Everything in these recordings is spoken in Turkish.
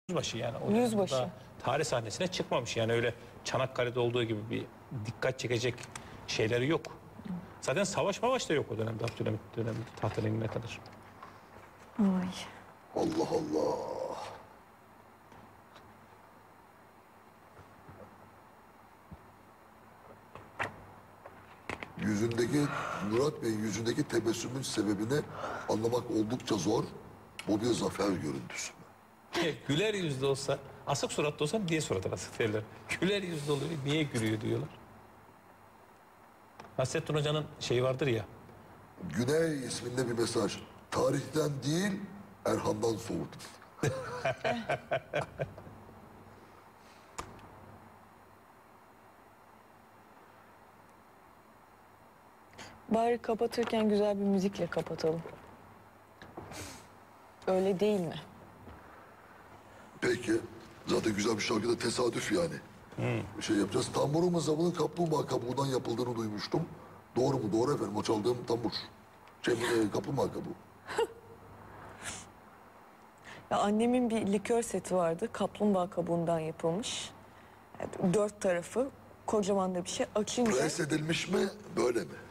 Yüzbaşı yani. O Yüzbaşı. dönemde tarih sahnesine çıkmamış. Yani öyle Çanakkale'de olduğu gibi bir dikkat çekecek şeyleri yok. Zaten savaş da yok o dönemde. Abdülhamit döneminde tahttan inene kadar. Ay. Allah Allah. Yüzündeki, Murat Bey'in yüzündeki tebessümün sebebini anlamak oldukça zor. Bu bir zafer görüntüsü. Güler yüzlü olsa, asık suratlı olsa niye suratı asık derler. Güler yüzlü oluyor, niye gülüyor diyorlar. Nasrettin Hoca'nın şeyi vardır ya. Güney isminde bir mesaj. Tarihten değil, Erhan'dan soğut. Bari kapatırken güzel bir müzikle kapatalım. Öyle değil mi? Peki. Zaten güzel bir şarkıda tesadüf yani. Bir şey yapacağız. Tamburumun zamanın kaplumbağa kabuğundan yapıldığını duymuştum. Doğru mu? Doğru efendim. O çaldığım tambur. Kaplumbağa kabuğu. Ya annemin bir likör seti vardı. Kaplumbağa kabuğundan yapılmış. Yani 4 tarafı kocaman da bir şey. Açınca Pres edilmiş mi? Böyle mi?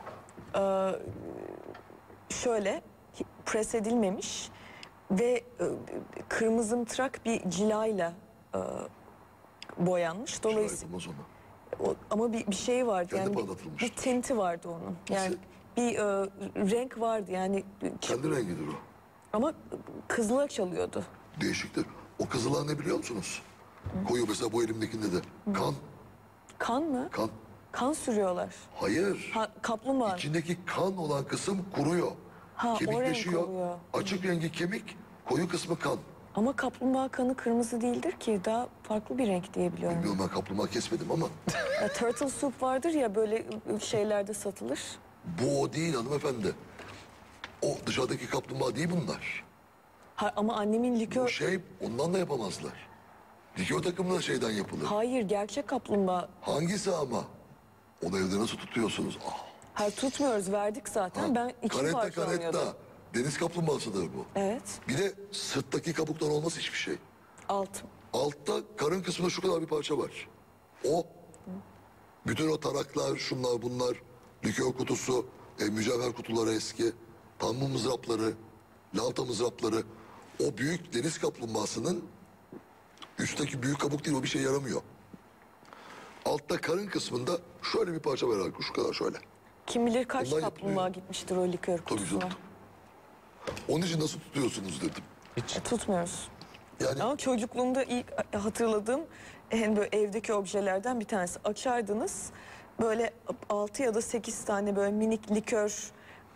şöyle pres edilmemiş ve kırmızımtırak bir cilayla boyanmış. Dolayısıyla Şahidim o zaman. ama bir şey vardı Kendi yani parlatılmıştır. bir tinti vardı onun. Yani bir renk vardı yani Kendi rengidir o. ama kızıla çalıyordu. Değişiktir. O kızılar ne biliyor musunuz? Koyu mesela bu elimdekinde de. Kan. Kan mı? Kan. Kan sürüyorlar. Hayır. Ha, kaplumbağa. İçindeki kan olan kısım kuruyor. Ha, o renk Kemikleşiyor. oluyor. Açık rengi kemik, koyu kısmı kan. Ama kaplumbağa kanı kırmızı değildir ki. Daha farklı bir renk diye biliyorum. Bilmiyorum, ben kaplumbağa kesmedim ama Ya, turtle soup vardır ya böyle şeylerde satılır. bu o değil hanımefendi. O dışarıdaki kaplumbağa değil bunlar. Ha, ama annemin Bu likör... şey ondan da yapamazlar. Likör takımı da şeyden yapılır. Hayır, gerçek kaplumbağa. Hangisi ama? Onu evde nasıl tutuyorsunuz? Ah. Ha, tutmuyoruz, verdik zaten. Ben iki Karetta parçalanıyordum. karetta. Deniz kaplumbağasıdır bu. Evet. Bir de sırttaki kabuktan olmaz hiçbir şey. Alt. Altta karın kısmında şu kadar bir parça var. O bütün o taraklar, şunlar bunlar, likör kutusu, mücevher kutuları eski, tambu mızrapları, lavta mızrapları, o büyük deniz kaplumbağasının üstteki büyük kabuk değil, o bir şey yaramıyor. Altta karın kısmında şöyle bir parça var, şu kadar şöyle. Kim bilir kaç Ondan kaplumbağa yapılıyor. gitmiştir o likör Tabii kutusuna. canım. Onun için nasıl tutuyorsunuz dedim. Hiç. Tutmuyoruz. Yani Ama çocukluğumda ilk hatırladığım en böyle evdeki objelerden bir tanesi. Açardınız böyle 6 ya da 8 tane böyle minik likör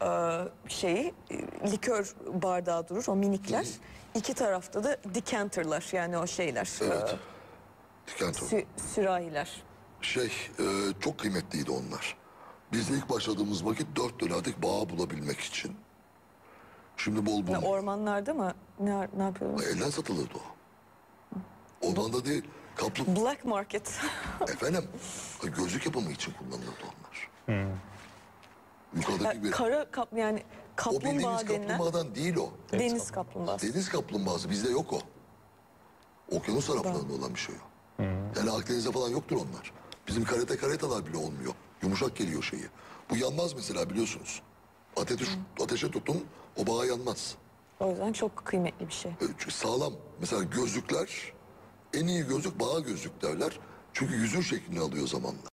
likör bardağı durur o minikler. İki tarafta da decanter'lar yani o şeyler. evet. Decanter. Sürahiler. Çok kıymetliydi onlar. Biz de ilk başladığımız vakit 4 dolardık bağı bulabilmek için. Şimdi bol Yani bulunuyor. ormanlarda mı? Ne yapıyordunuz? Elden satılırdı o. Ormanda değil. Black market. Efendim, gözlük yapımı için kullanılırdı onlar. Yukarıdaki bir... Yani O kaplumbağa bildiğimiz denilen kaplumbağadan değil o. deniz kaplumbağası. Deniz kaplumbağası bizde yok o. Okyanus taraflarında olan bir şey o. Yani Akdeniz'de falan yoktur onlar. Bizim karetalar bile olmuyor. Yumuşak geliyor şeyi. Bu yanmaz mesela, biliyorsunuz. Ateşe tutun, o bağ yanmaz. O yüzden çok kıymetli bir şey. Çünkü sağlam. Mesela gözlükler, en iyi gözlük bağ gözlük derler. Çünkü yüzün şeklini alıyor zamanla.